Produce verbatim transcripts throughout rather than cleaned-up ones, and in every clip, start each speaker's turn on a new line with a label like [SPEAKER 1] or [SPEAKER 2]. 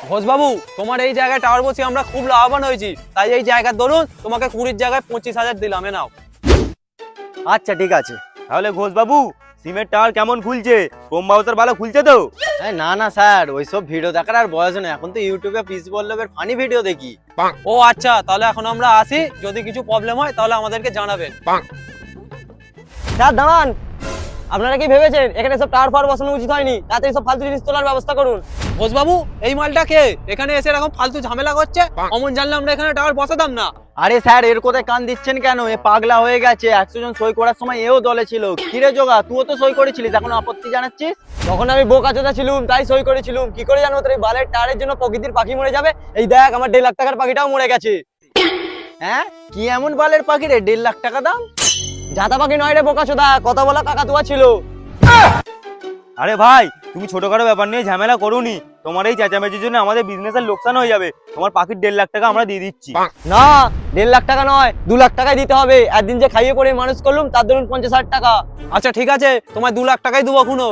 [SPEAKER 1] ঘোষবাবু, তোমার এই জায়গায় টাওয়ার বসিয়ে আমরা খুব লাভবান হয়েছি, তাই এই জায়গার দরুন তোমাকে কুড়ির জায়গায় পঁচিশ হাজার দিলাম, এ নাও।
[SPEAKER 2] আচ্ছা ঠিক আছে।
[SPEAKER 3] তাহলে ঘোষ বাবু, সিমের টাওয়ার কেমন খুলছে? কম বাউসার ভালো খুলছে তো?
[SPEAKER 2] এই না না স্যার, ওইসব ভিডিও দেখার আর বয়স নেই, এখন তো ইউটিউবে পিস বল্লভের ফানি ভিডিও দেখি।
[SPEAKER 1] ও আচ্ছা, তাহলে এখন আমরা আসি, যদি কিছু প্রবলেম হয় তাহলে আমাদেরকে জানাবেন।
[SPEAKER 4] স্যার দাঁড়ান, আপনারা কি ভেবেছেন এখানে সব টাওয়ার ফাওয়ার বসানো উচিত হয়নি? তাড়াতাড়ি সব ফালতু জিনিস তোলার ব্যবস্থা করুন।
[SPEAKER 1] ঘোষবাবু, এই মালটা কে এখানে এসে এরকম ফালতু ঝামেলা করছে? অমন জানলে আমরা এখানে টাওয়ার বসাতাম না।
[SPEAKER 2] আরে স্যার, এর কোথায় কান দিচ্ছেন কেন? এ পাগলা হয়ে গেছে। একশো জন সই করার সময় এও দলে ছিল। কিরে জোগা, তুইও তো সই করেছিলিস, এখন আপত্তি জানাচ্ছিস?
[SPEAKER 4] তখন আমি বোকাচোদা ছিলুম, তাই সই করেছিলুম। কি করে জানো তোর এই বালের টাওয়ারের জন্য প্রকৃতির পাখি মরে যাবে? এই দেখ, আমার দেড় লাখ টাকার পাখিটাও মরে গেছে।
[SPEAKER 2] হ্যাঁ, কি এমন বালের পাখি রে, দেড় লাখ টাকা দাম?
[SPEAKER 4] জাতা পাখি নয় রে বোকাচোদা, কথা বলা কাকাতুয়া ছিল।
[SPEAKER 3] আরে ভাই, তুমি ছোটখাটো ব্যাপার নিয়ে ঝামেলা করোনি। তোমার এই চেঁচামেচির জন্য আমাদের বিজনেসের লোকসান হয়ে যাবে। তোমার পাখির দেড় লাখ টাকা আমরা দিয়ে দিচ্ছি।
[SPEAKER 4] না, দেড় লাখ টাকা নয়, দু লাখ টাকাই দিতে হবে। একদিন যে খাইয়ে পড়ে মানুষ করলুম, তার ধরুন পঞ্চাশ হাজার টাকা।
[SPEAKER 1] আচ্ছা ঠিক আছে, তোমায় দু লাখ টাকাই দেবো এখনো।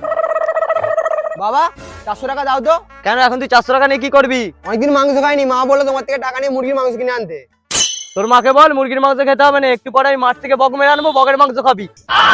[SPEAKER 4] বাবা, চারশো টাকা দাও তো।
[SPEAKER 2] কেন, এখন তুই চারশো টাকা নিয়ে কি করবি?
[SPEAKER 4] অনেকদিন মাংস খাইনি, মা বললো তোমার থেকে টাকা নিয়ে মুরগির মাংস কিনে আনতে।
[SPEAKER 2] তোর মাকে বল মুরগির মাংস খেতে হবে না, একটু পরে আমি মাঠ থেকে বক মেরে আনবো, বকের মাংস খাবি।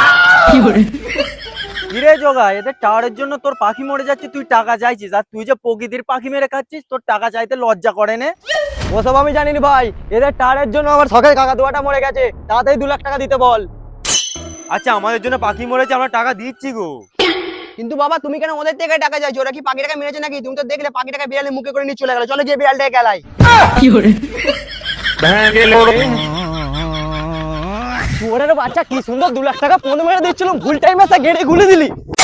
[SPEAKER 2] কিরে জোগা, এদের টাওয়ারের জন্য তোর পাখি মরে যাচ্ছে, তুই টাকা চাইছিস, আর তুই যে প্রকৃতির পাখি মেরে খাচ্ছিস, তোর টাকা চাইতে লজ্জা করে নে?
[SPEAKER 4] ওসব আমি জানিনি ভাই, এদের টাওয়ারের জন্য আমার শখের কাকাতুয়াটা মরে গেছে। তাড়াতাড়ি দু লাখ টাকা দিতে বল।
[SPEAKER 3] আচ্ছা, আমাদের জন্য পাখি মরেছে, আমরা টাকা দিচ্ছি গো।
[SPEAKER 4] কিন্তু বাবা, তুমি কেন ওদের থেকে টাকা চাইছো? ওরা কি পাখিটাকে মেরেছে নাকি? তুমি তো দেখলে পাখিটাকে বিড়ালে মুখে করে নিয়ে চলে গেল। চলো গিয়ে বিড়ালটাকে গেলাই। ওরের বাচ্চা, কি সুন্দর দু লাখ টাকা পনেরো মেরে দিচ্ছিল, ভুল টাইমে গেড়ে গুলে দিলি।